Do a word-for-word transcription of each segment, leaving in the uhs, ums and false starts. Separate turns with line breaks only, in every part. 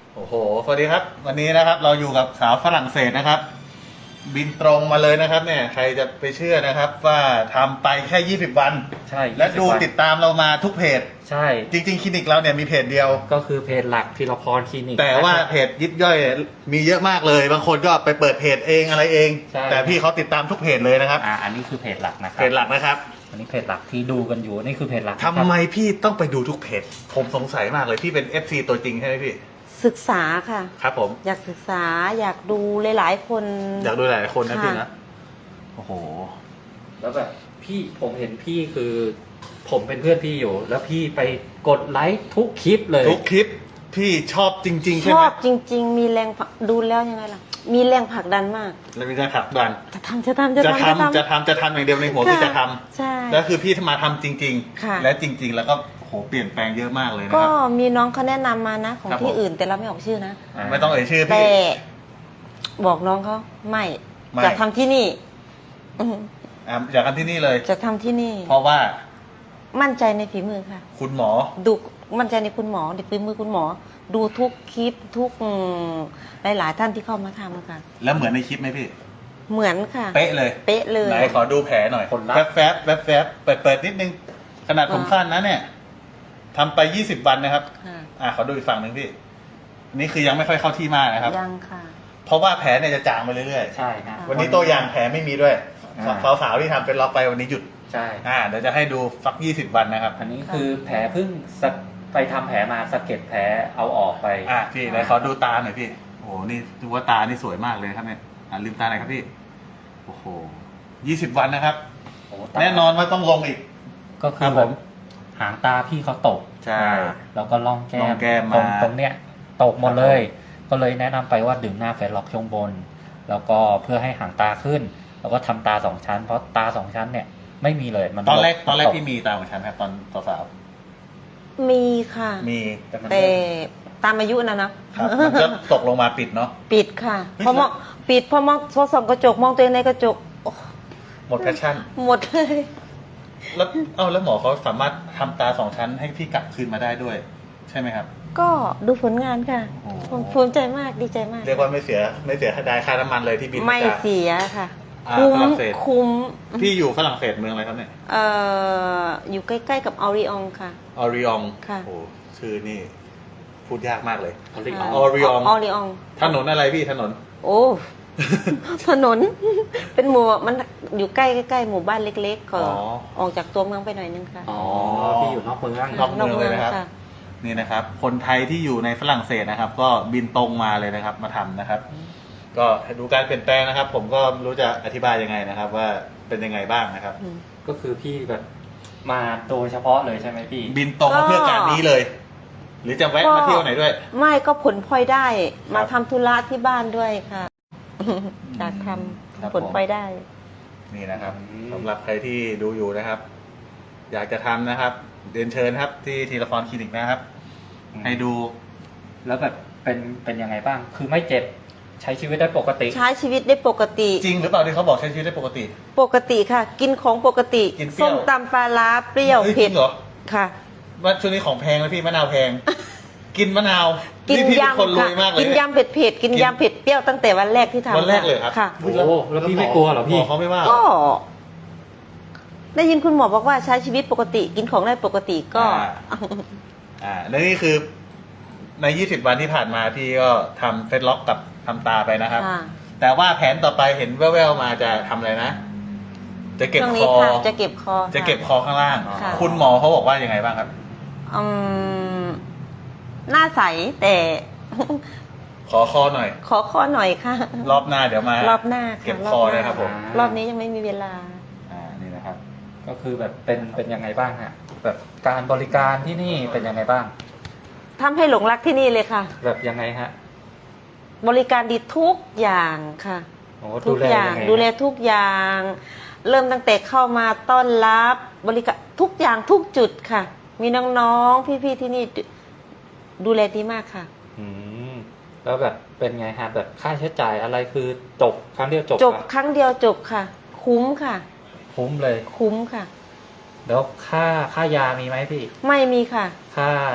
โอ้โหสวัสดีครับวันนี้นะครับเราอยู่กับสาวฝรั่งเศสนะครับ บินตรงมาเลยนะครับเนี่ยใครจะไปเชื่อนะครับว่าทำไปแค่ยี่สิบวัน
ใช่
และดู
ยี่สิบวัน
ติดตามเรามาทุกเพจ
ใช่
จริงๆคลินิกเราเนี่ยมีเพจเดียว
ก็คือเพจหลักธีรพรคลินิก
แต่ว่าเพจยิบย่อยมีเยอะมากเลยบางคนก็ไปเปิดเพจเองอะไรเอง แต่พี่เขาติดตามทุกเพจเลยนะครับ
อ่าอันนี้คือเพจหลักนะครับ
เพจหลักนะครับ
อันนี้เพจหลักที่ดูกันอยู่นี่คือเพจหลัก
ทำไมพี่ต้องไปดูทุกเพจผมสงสัยมากเลยพี่เป็น เอฟ ซี ตัวจริงใช่ไหมพี่
ศึกษาค่ะ
ครับผม
อยากศึกษาอยากดูหลายๆคน
อยากดูหลายๆคนนะพี่นะโอ้โห
แล้วแบบพี่ผมเห็นพี่คือผมเป็นเพื่อนพี่อยู่ แล้วพี่ไปกดไลค์ทุกคลิปเลย
ทุกคลิปพี่ชอบจริงๆใช่ไหม
ชอบจริงๆมีแรงดูแล้วยังไงล่ะมีแรงผลักดันมาก
แล้วมีแรงผลักดัน
จะทำจะทำจะ
ทำ
ทำ
จะทำจะทำอย่างเดียวในหัวพี่จะทำ
ใช่
แล้วคือพี่มาทำจริง
ๆ
และจริง ๆ แล้วก็โหเปลี่ยนแปลงเยอะมากเลยนะค
ก็
รับ
มีน้องเขาแนะนำมานะของที่อื่นแต่เราไม่ออกชื่อนะ
ไม่ต้องเอ่ยชื่อพี่
แต่บอกน้องเขาไม่จะทำที่นี่
อยากทำที่นี่เลย
จะทำที่นี่
เพราะว่า
มั่นใจในฝีมือค่ะ
คุณหมอ
ดูมั่นใจในคุณหมอในฝีมือคุณหมอดูทุกคลิปทุกหลายๆท่านที่เข้ามาทำค่ะ
แล้วเหมือนในคลิปไหมพี่
เหมือนค่ะ
เป๊ะเลย
เป๊ะเลย
ไหนขอดูแผลหน่อยแฟบแฟบแฟบแฟบเปิดเปิดนิดนึงขนาดผมสั้นนะเนี่ยทำไปยี่สิบวันนะครับอ่าขอดูอีกฝั่งหนึ่งพี่นี่คือยังไม่ค่อยเข้าที่มากนะครับ
ยังค่ะ
เพราะว่าแผลเนี่ยจะจางไปเรื่อย
ๆใช่ครับ
วันนี้ตัวอย่างแผลไม่มีด้วยสาวๆที่ทำเป็นล็อกไปวันนี้หยุด
ใช่
อ่าเดี๋ยวจะให้ดูสักยี่สิบวันนะครับ
อันนี้คือแผลเพิ่งไปทำแผลมาสะเก็ดแผลเอาออกไป
อ่ะพี่ไหนขอดูตาหน่อยพี่โอ้โหนี่ดูว่าตานี่สวยมากเลยครับเนี่ยอ่าลืมตาหน่อยครับพี่โอ้โหยี่สิบวันนะครับแน่นอนว่าต้องลงอีก
ก็คือผมหางตาพี่เขาตก
ใช่
แล้วก็ล่องแก้ม
แก้ม
ตรงตรงเนี้ยตกหมดเลย ก็เลยแนะนำไปว่าดึงหน้าแฟนล็อกช่วงบนแล้วก็เพื่อให้หางตาขึ้นแล้วก็ทำตาสองชั้นเพราะตาสองชั้นเนี่ยไม่มีเลย
มันตอนแรกตอนแรกพี่มีตาสองชั้นครับตอนสาว
มีค่ะ
มี
แต่ตามอายุนะนะครับ
มันก็ตกลงมาปิดเนาะ
ปิดค่ะเพราะมองปิดเพราะมองพอส่องกระจกมองตัวเองในกระจก
หมดแพชชั่น
หมดเลย
แล้วเอ้าแล้วหมอเขาสามารถทำตาสองชั้นให้พี่กลับคืนมาได้ด้วยใช่ไหมครับ
ก็ดูผลงานค่ะผมภูมิใจมากดีใจมาก
เรียกว่าไม่เสียไม่เสียค่าได้ค่าน้ำมันเลยที่บิน
ไม่เสียค่ะ
คุ้ม
คุ้ม
พี่อยู่ฝรั่งเศสเมืองอะไรครับเนี่ย
เอ่ออยู่ใกล้ๆกับออริองค่ะ
ออริอง
ค่ะ
โอ้ชื่อนี่พูดยากมากเลย
ออริ
องออริอง
ออริอง
ถนนอะไรพี่ถนน
โอ้ถนนเป็นหมู่มันอยู่ใกล้ใกล้หมู่บ้านเล็กๆก็ออกจากตัวเมืองไปหน่อยนึงค่ะ
อ๋อพี่อยู่นอกเมือง
นอกเมืองเลยนะครับนี่นะครับคนไทยที่อยู่ในฝรั่งเศสนะครับก็บินตรงมาเลยนะครับมาทำนะครับก็ดูการเปลี่ยนแปลงนะครับ ผมก็รู้จะอธิบายยังไงนะครับ ว่าเป็นยังไงบ้างนะครับ
ก็คือพี่แบบมาโดยเฉพาะเลยใช่ไหมพี่
บินตรงมาเพื่อการนี้เลย หรือจะแวะมาเที่ยวไหนด้วย
ไม่ก็ผลพลอยได้มาทำธุระที่บ้านด้วยค่ะอยากทำผลพลอยได้
นี่นะครับสำหรับใครที่ดูอยู่นะครับ อยากจะทำนะครับเรียนเชิญครับที่ธีรพรคลินิกนะครับให้ดู
แล้วแบบเป็นเป็นยังไงบ้างคือไม่เจ็บใช้ชีวิตได้ปกติ
ใช้ชีวิตได้ปกติ
จริงหรือเปล่าที่เขาบอกใช้ชีวิตได้ปกติ
ปกติค่ะ กินของปกติส้มตำปลาร้าเปรี้ยวเผ็ด
เหรอ
ค่ะ
ว่าช่วงนี้ของแพงแล้วพี่มะนาวแพงกินมะนาว
กินยำค่ะกินยำเผ็ดเผ็ดกินยำเผ็ดเปรี้ยวตั้งแต่วันแรกที่ทำ
วันแรกเลยครับ
ค่ะ
โอ้แล้วพี่ไม่กลัวเหรอพี่
เขาไม่ว่า
ก็ได้ยินคุณหมอบอกว่าใช้ชีวิตปกติ กินของได้ปกติก็
อ่าแล้วนี่คือในยี่สิบวันที่ผ่านมาพี่ก็ทำเฟซล็อกกับทำตาไปนะครับแต่ว่าแผนต่อไปเห็นแว่วๆมาจะทำอะไรนะจะเก็บคอ
จะเก็บคอ
จะเก็บคอข้างล่างคุณหมอเขาบอกว่ายังไงบ้างครับ
อืมหน้าใสแต่
ขอคอหน่อย
ขอคอหน่อยค่ะ
รอบหน้าเดี๋ยวมาร
อบหน้า
เก็บคอนะครับผม
รอบนี้ยังไม่มีเวลา
อ่านี่นะครับ
ก็คือแบบเป็นเป็นยังไงบ้างฮะแบบการบริการที่นี่เป็นยังไงบ้าง
ทำให้หลงรักที่นี่เลยค่ะ
แบบยังไงฮะ
บริการดีทุกอย่างค่ะ
ทุก
อย่างดูแลทุกอย่าง เริ่มตั้งแต่เข้ามาต้อนรับบริการทุกอย่างทุกจุดค่ะมีน้องๆพี่ๆที่นี่ดูแลดีมากค่ะ
อืมแล้วแบบเป็นไงฮะแบบค่าใช้จ่ายอะไรคือจบครั้งเดียวจบ
จบครั้งเดียวจบค่ะคุ้มค่ะ
คุ้มเลย
คุ้มค่ะ
แล้วค่าค่ายามีไหมพี่
ไม่มีค่ะ
ค่า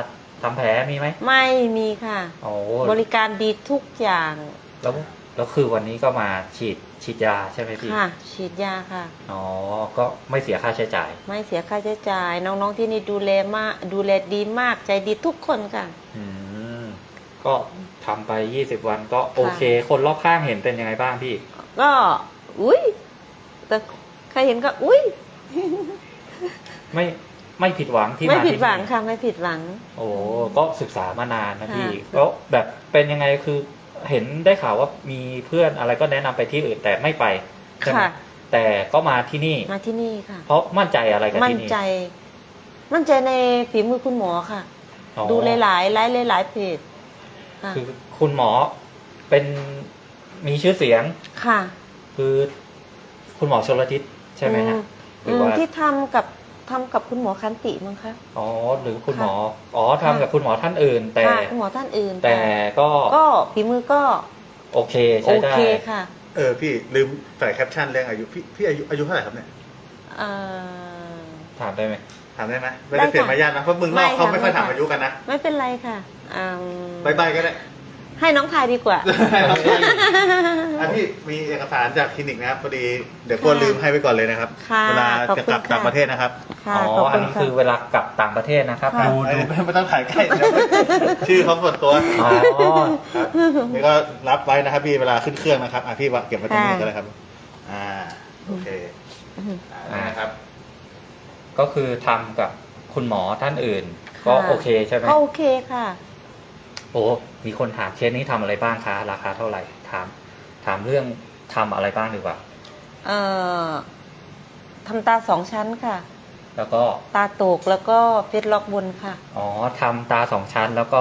ทำแผลมีไหม
ไม่มีค่ะ
โอ้
บริการดีทุกอย่าง
แล้วแล้วคือวันนี้ก็มาฉีดฉีดยาใช่ไหมพี่
ค่ะ ฉีดยาค่ะ
อ๋อก็ไม่เสียค่าใช้จ่าย
ไม่เสียค่าใช้จ่าย น้องๆที่นี่ดูแลมากดูแลดีมากใจดีทุกคนค่ะ
อืมก็ทำไปยี่สิบวันก็โอเค คนรอบข้างเห็นเป็นยังไงบ้างพี่
ก็อุ้ยแต่ใครเห็นก็อุ้ย
ไม่ไม่ผิดหวังที่
ไม่
มา
ผิด
ที่
หวัง
นี่
ค่ะไม่ผิดหวัง
โอ้ก็ศึกษามานานนะพี่
ค่ะ
แล้วแบบเป็นยังไงคือเห็นได้ข่าวว่ามีเพื่อนอะไรก็แนะนำไปที่อื่นแต่ไม่ไปใช่ไหม
ค่ะ
แต่ก็มาที่นี่
มาที่นี่ค่ะ
เพราะมั่นใจอะไรกับ
มั่น
ที่นี่
ใจ มั่นใจในฝีมือคุณหมอค่ะ
อ๋อ
ดูหลายๆไลฟ์หลายๆเพจค่ะ
คือคุณหมอเป็นมีชื่อเสียง
ค่ะ
คือคุณหมอชลทิศใช่ไหมฮะห
อื
รือ
ม
ว่า
ที่ทำกับทำกับคุณหมอคันติมั้งคะ
อ๋อหรือคุณ
ค่ะ
หมออ๋อทำกับคุณหมอท่านอื่น แต่
ค่ะคุณหมอท่านอื่น
แต่
ค่ะ
ก็
ก็ฝีมือก็
โอเค
โอ
ใช้ได้
เคค่ะ
เออพี่ลืมใส่แคปชั่นเรื่องอายุพี่พี่อายุอายุเท่าไหร่ครับเนี่ย
เอ่อ
ถามได้ไหม
ถามได้ไหมไม่ได้เสียมารยาทนะเพราะมึงนอก
ไม่ค่ะ
เขาไม่ค่อย
ไม่ค่ะ
ถามอายุกันนะ
ไม่เป็นไรค่ะอืม
บายบายก็ได้
ให้น้องทายดีกว่า
อ่ะพี่มีเอกสารจากคลินิกนะครับพอดีเดี๋ยวกลัวลืมให้ไว้ก่อนเลยนะครับ
ค่ะ
เวลา
ขอบ
จะ
คุณ
กลับ
ค่ะ
ต่างประเทศนะครับ
ค่ะ
อ๋อ
ขอบ
อั
คุ
น
ณ
นี้
ค่ะ
คือเวลากลับต่างประเทศนะครับ
ค่ะ
ดู
ไม่
ดู
ไม่ต้องถ่ายใกล้เดี๋ยวชื่อเขาส่วนตัว
อ๋อ
ครับนี่ก็รับไว้นะครับพี่เวลาขึ้นเครื่องนะครับอ่ะพี่วางเก็บไว้ตรงนี้ก็ได้ครับ อ่าโอเคอ่านะครับ
ก็คือทำกับคุณหมอท่านอื่น ก็โอเคใช่ไหม
ก็โอเคค่ะ
โอ้มีคนถามเคสนี้ทำอะไรบ้างคะราคาเท่าไหร่ถามถามเรื่องทำอะไรบ้างดีกว่า
เอ่อทำตาสองชั้นค่ะ
แล้วก็
ตาตกแล้วก็เฟซล็อกบนค่ะ
อ๋อทำตาสองชั้นแล้วก็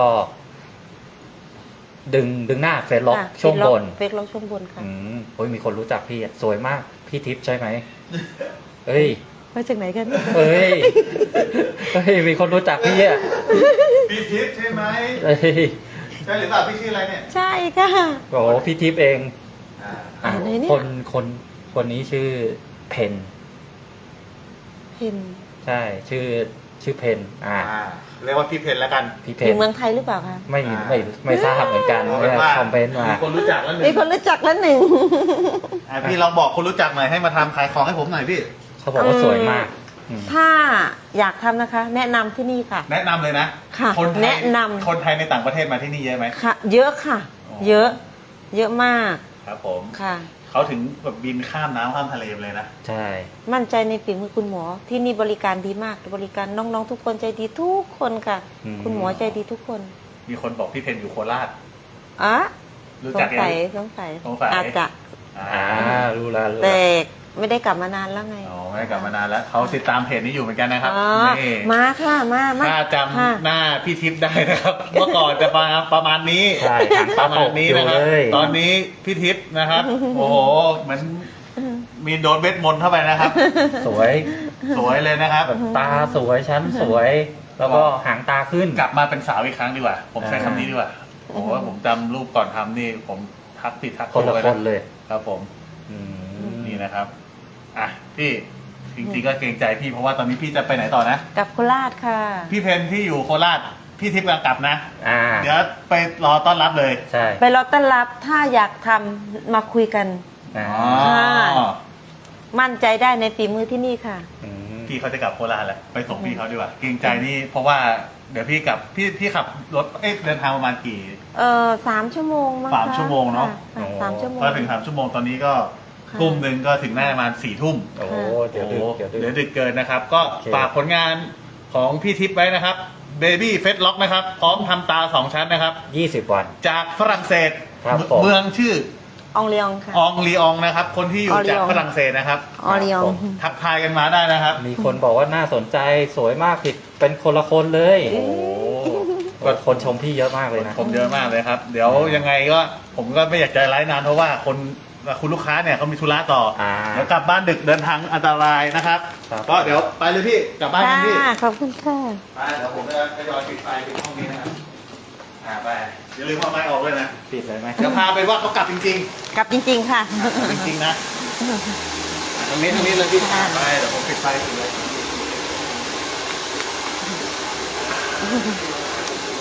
ดึงดึงหน้าเฟซล็อก
ค่ะ
ช่วงบน
เฟซล็อกช่วงบนค่ะ
อืมโอ้ยมีคนรู้จักพี่อะสวยมากพี่ทิพย์ใช่ไหมเอ้ย
มาจากไหนกัน
เอ้ยเฮ้ยมีคนรู้จักพี่อ่ะ
พี่ทิพย์ใช่ไหม
เอ้ย
ใช่หรือเปล่าพี่ชื่ออะไรเนี่ย
ใช่ค่ะ
โอ้พี่ทิพย์เอง
อ่า
อ่ะ
ไหนเนี่ย
คนคนคนนี้ชื่อเพน
เห็น
ใช่ ชื่อชื่อเพนอ่า
อ่าเรียกว่าพี่เพนแล้วกัน
พี่เพ
อน ยู่เมืองไทยหรือเปล่าคะ
ไม่
อ่า
ไม่ไม่ทราบเหมือนกัน
เอา
เนี่
เป็น
ย
ว่า
คอมเมนต์มา
มีคนรู้จักแล้วหนึ่
มี
ง
คนรู้จักแล้วหนึ่ง
อ่ะพี่ลองบอกคนรู้จักหน่อยให้มาทำขายของให้ผมหน่อยพี่
เขาบอกว่าสวยมากอืม
ถ้าอยากทำนะคะ แนะนำที่นี่ค่ะ
แนะนำเลยนะ
ค่ะ
คนไทย
แนะนำ
คนไทยในต่างประเทศมาที่นี่เยอะไหม
ค่ะ เยอะค่ะ
อ๋อ
เยอะ เยอะมาก
ครับผม
ค่ะ
เขาถึงแบบบินข้ามน้ำข้ามทะเลเลยนะ
ใช่
มั่นใจในฝีมือคุณหมอ ที่นี่บริการดีมาก บริการน้องๆทุกคนใจดีทุกคนค่ะ คุณหมอใจดีทุกคน
มีคนบอกพี่เพนอยู่โคราช
อ่ะ
รู้
ส
จัก
ง
ยัง
สัยสงสัย
สงสัย
อาจจะ
อ่ารู้แล้วรู้
แต่
แล้ว
ไม่ได้กลับมานานแล้วไง
อ๋อไม่ได้กลับมานานแล้วเขาติดตามเพจนี้อยู่เหมือนกันนะครับ
อ๋อ
นี่
มาค่ะ มามา
ถ้าจ
ค่ะ
ำหน้าพี่ทิพย์ได้นะครับ เมื่อก่อนจะประมาณประมาณนี้
ใช่ทาง
ป
ตา
ระมา
ต
ณ
ก
นี้
อยู่
นะครับ
เลย
ตอนนี้พี่ทิพย์นะครับ โอ้โหเหมือนมีโดนเวทมนต์เข้าไปนะครับ
สวย
สวยเลยนะครับ
แบบตาสวยชั้นสวย แล้วก็หางตาขึ้น
กลับมาเป็นสาวอีกครั้งดีกว่า ผมใช้
อ่า
คำนี้ดีกว่าโอ้โหผมจำรูปก่อนทำนี่ ผมทักผิดทัก
คนละ
ถูก
ค
ไว้
นเลย
ครับผม
อืม
นี่นะครับอ่ะพี่จริงๆก็เกรงใจพี่เพราะว่าตอนนี้พี่จะไปไหนต่อนะ
กลับโคราชค่ะ
พี่เพนที่อยู่โคราชพี่ทิพย์กำลังกลับนะ
อ่า
เดี๋ยวไปรอต้อนรับเลย
ใช่
ไปรอต้อนรับถ้าอยากทำมาคุยกัน
อ่า
อ๋อ
ค่ะ มั่นใจได้ในฝีมือที่นี่ค่ะ
อืม
พี่เขาจะกลับโคราชแล้วไปส่งพี่เขาดีกว่าเกรงใจนี่เพราะว่าเดี๋ยวพี่กลับพี่พี่ขับรถเอ๊ะเดินทางประมาณกี่
เออสามชั่วโมงมั้ง
สาม
คะ
ชั่วโมงเนอะ
ค่สามชั่วโมง
พอถึงสามชั่วโมงตอนนี้ก็
ค่ะ
ทุ่มหนึ่งก็ถึงน่าจะประมาณสี่ทุ่ม
โอ้เดี๋ยวดึกเดี๋ยวดึ
เดี๋ยว
ก
ดึกเกินนะครับ ก็
โอเค
ฝากผลงานของพี่ทิพย์ไว้นะครับ Baby f a c e Lock นะครับ พร้อมทำตาสองชั้นนะครับ
ยี่สิบวัน
จากฝรั่งเศส
ครับผม
เมืองชื่อ
อองเลียงค่ะ
อองลีอองนะครับ คนที่อยู่
อองลี
จาก
ออง
ฝรั่งเศสนะครับ
อองเลียง
ทักทายกันมาได้นะครับ
มีคนบอกว่าน่าสนใจสวยมากผิดเป็นคนละคนเลย
โอ้โห
ก็คนชมพี่เยอะมากเลยนะ
ผมเยอะมากเลยครับ เดี๋ยวยังไงก็ผมก็ไม่อยากจะไลฟ์นานเพราะว่าคนคุณลูกค้าเนี่ยเขามีธุระต่ออา เดี๋ยวกลับบ้านดึกเดินทางอันตรายนะครับ
ครับ
ก็เดี๋ยวไปเลยพี่กลับบ้านกันพี่
ค่ะขอบคุณค่ะ
ไปเดี๋ยวผมจะทยอยปิดไฟปิดห้องนี้นะครับอ่าไปอย่าลืมเอาไม้ออกเลยนะ
ปิดเลยไหม
เดี๋ยวพาไปว่าเขากลับจริง
กลับจริงๆค่ะ
ๆอ่ะจริงๆนะตรงนี้ตรงนี้เลยพี่
ค่ะ
ไปเดี๋ยวผมปิดไฟปิดเลย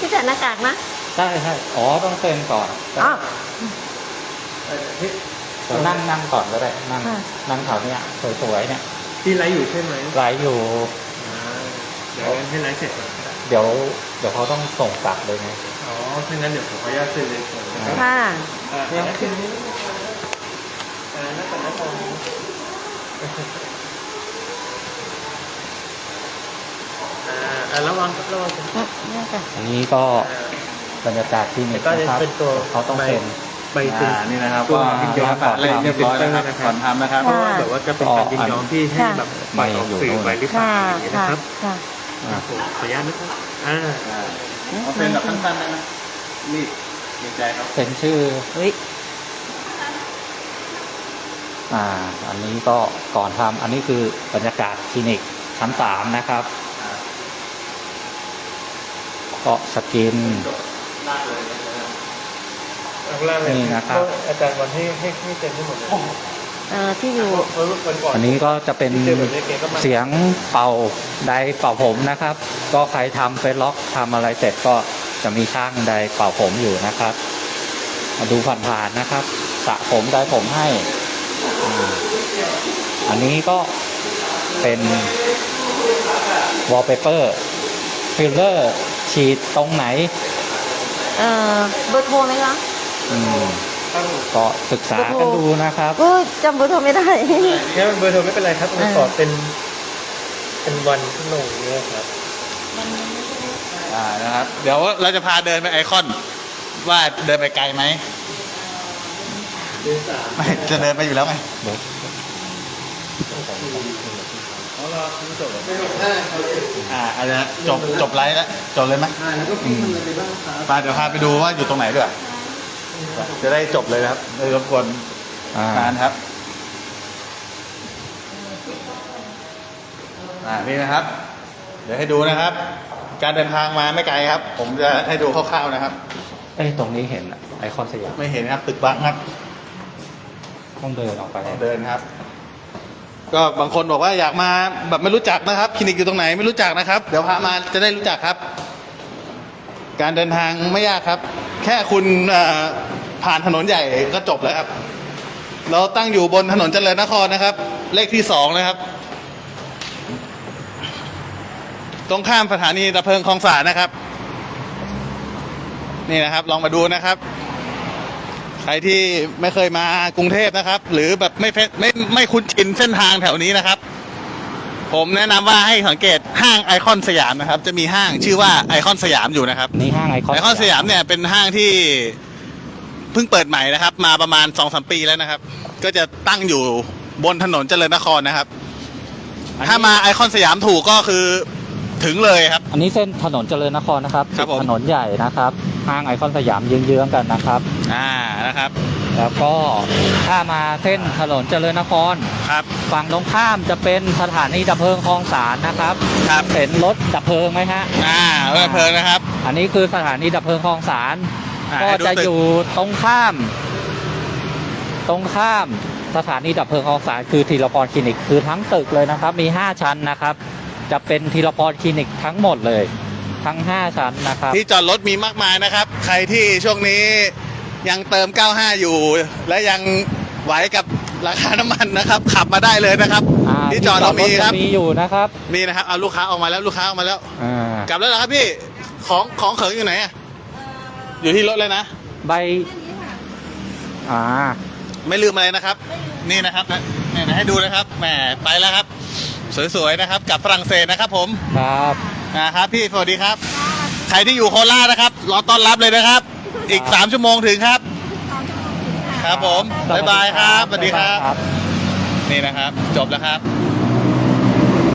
พี่ใส่หน้ากากนะ
ใช่ใช่อ๋อต้องเซ็นก่อน
อ๋อ
เอ่อพี่
เดี๋ยวนั่งนั่งก่อนก็ได้นั่ง
ค่ะ
นั่งแถวเนี้ยสวยๆเนี่ย
ที่ไลฟ์อยู่ใช่ไหม
ไลฟ์อยู่
อ่าเดี๋ยวงั้นให้ไลฟ์เสร็จก่อนก็ได้
เดี๋ยวเดี๋ยวเขาต้องส่งกลับเลยไง
อ๋อถ้างั้นเดี๋ยวผมขออนุญาตเซ็นเลยก่อนนะครับ
ค่ะ
อ่าเดี๋ยวคืนนี้อ่านักก่อนนักก่อนอ่าอ่าระวังระวัง
นี่ค่ะ
อันนี้ก็บรรยากาศที่นี่
ก็จะ
นะครับ
เป็นตัว
เขาต้องเซ็น
ใบเซ็น
อ่านี่นะครับ
ตัว
ก็
ยินยอม
ฝากเล่นเรียบร้อยแล้วครับก่อนทำนะครับ
เพราะว่าแบบว่าจะเป็นการยินยอมที่ให้แบบปล่อยออกสื่อไปหรือเปล่า
ค่ะ
อย่างนี้
ค่ะ
นะครับ
ค่ะ
ครับผมขออนุญาตนะครับอ่า
อ่าเอาเป็นแบบสั้นๆได้ไหมรีบเกรงใจครับ
เซ็นชื่อ
เฮ้ย
อ่า อันนี้ก็ก่อนทำอันนี้คือบรรยากาศคลินิกชั้นสามนะครับ ก็สกิน
ลากเลยนะครับ
เอาข้างล่างเลย
นี่นะครับ
ก็อาจารย์วันให้ให้ให้เซ็นให้หมดเลย
เอ่อที่อยู่
เพราะวันก่อน
อันนี้ก็จะเป็น
ที่เจอแบบนี้แกก็มา
เสียงเป่าไดร์เป่าผมนะครับ ก็ใครทำเฟซล็อกทำอะไรเสร็จก็จะมีช่างไดร์เป่าผมอยู่นะครับ มาดูผ่านๆนะครับสระผมไดร์ผมให้อ่าอันนี้ก็เป็นวอลเปเปอร์ฟิลเลอร์ฉีดตรงไหน
เอ่อเบอร์โทรไหมคะ
อืมก็ศึกษากันดูนะครับ
ก็จำเบอร์โทรไม่ได้
งั้นเบอร์โทรไม่เป็นไรครับ
อ่า
ขอเป็นเป็นวันที่ลงเนี่ยครับ
อ่านะครับเดี๋ยวเราจะพาเดินไปไอคอน ว่าเดินไปไกลไหมไม่จะเดินไปอยู่แล้วไง
เดี๋ยว
อ่าอาจจะจบจบไลฟ์แล้วจบเลยไหมไปเดี๋ยวพาไปดูว่าอยู่ตรงไหนด้วยจะได้จบเลยนะครับไม่รบกวน
อ่าน
านครับอ่านี่นะครับ เดี๋ยวให้ดูนะครับ การเดินทางมาไม่ไกลครับ ผมจะให้ดูคร่าวๆนะครับ
เอ้ยตรงนี้เห็นไอคอนสยาม
ไม่เห็นครับตึกบังครับ
ต้องเดินออกไป
เดินครับ ก็บางคนบอกว่าอยากมาแบบไม่รู้จักนะครับคลินิกอยู่ตรงไหนไม่รู้จักนะครับ เดี๋ยวพามาจะได้รู้จักครับ การเดินทางไม่ยากครับ แค่คุณเอ่อผ่านถนนใหญ่ก็จบแล้วครับ เราตั้งอยู่บนถนนเจริญนครนะครับ เลขที่สองนะครับ ตรงข้ามสถานีดับเพลิงคลองสานนะครับ นี่นะครับ ลองมาดูนะครับ ใครที่ไม่เคยมากรุงเทพนะครับ หรือแบบไม่ไม่ไม่ไม่คุ้นชินเส้นทางแถวนี้นะครับ ผมแนะนำว่าให้สังเกตห้างไอคอนสยามนะครับ จะมีห้างชื่อว่าไอคอนสยามอยู่นะครับ
นี่ห้างไอคอน
ไอคอนสยามเนี่ยเป็นห้างที่เพิ่งเปิดใหม่นะครับ มาประมาณสองสามปีแล้วนะครับ ก็จะตั้งอยู่บนถนนเจริญนครนะครับ ถ้ามาไอคอนสยามถูกก็คือถึงเลยครับ
อันนี้เส้นถนนเจริญนครนะครับ
ครับผม
ถนนใหญ่นะครับ ห้างไอคอนสยามเยื้องๆกันนะครับ
อ่านะครับ
แล้วก็ถ้ามาเส้นถนนเจริญนคร
ครับ
ฝั่งตรงข้ามจะเป็นสถานีดับเพลิงคลองสานนะครับ
ครับ
เห็นรถดับเพลิงไหมฮะ
อ่าเออเพลินนะครับ
อันนี้คือสถานีดับเพลิงคลองสาน
อ่า
ก็
ให้ดู
จะ
ตึก
อยู่ตรงข้าม ตรงข้ามสถานีดับเพลิงคลองสานคือธีรพรคลินิกคือทั้งตึกเลยนะครับ มีห้าชั้นนะครับ จะเป็นธีรพรคลินิกทั้งหมดเลย ทั้งห้าชั้นนะครับ
ที่จอดรถมีมากมายนะครับ ใครที่ช่วงนี้ยังเติมเก้าสิบห้าอยู่ และยังไหวกับราคาน้ำมันนะครับ ขับมาได้เลยนะครับ
อ่า
ที่จอดเรามีครับ
จะมีอยู่นะครับ
มีนะครับเอาลูกค้าออกมาแล้วลูกค้าออกมาแล้ว
อ่าก
ลับแล้วเหรอครับพี่ของของเขิงอยู่ไหนอะอยู่ที่รถเลยนะ
ใบอ่า
ไม่ลืมอะไรนะครับ นี่นะครับเนี่ยนะให้ดูนะครับแหมไปแล้วครับ สวยๆนะครับกลับฝรั่งเศสนะครับ ผม
ครับ
นะครับพี่สวัสดีครับ ใครที่อยู่โคราชนะครับรอต้อนรับเลยนะครับ อีกสามชั่วโมงถึงครับ ครับผมบ๊ายบายครับสวัสดีครับ นี่นะครับ จบแล้วครับ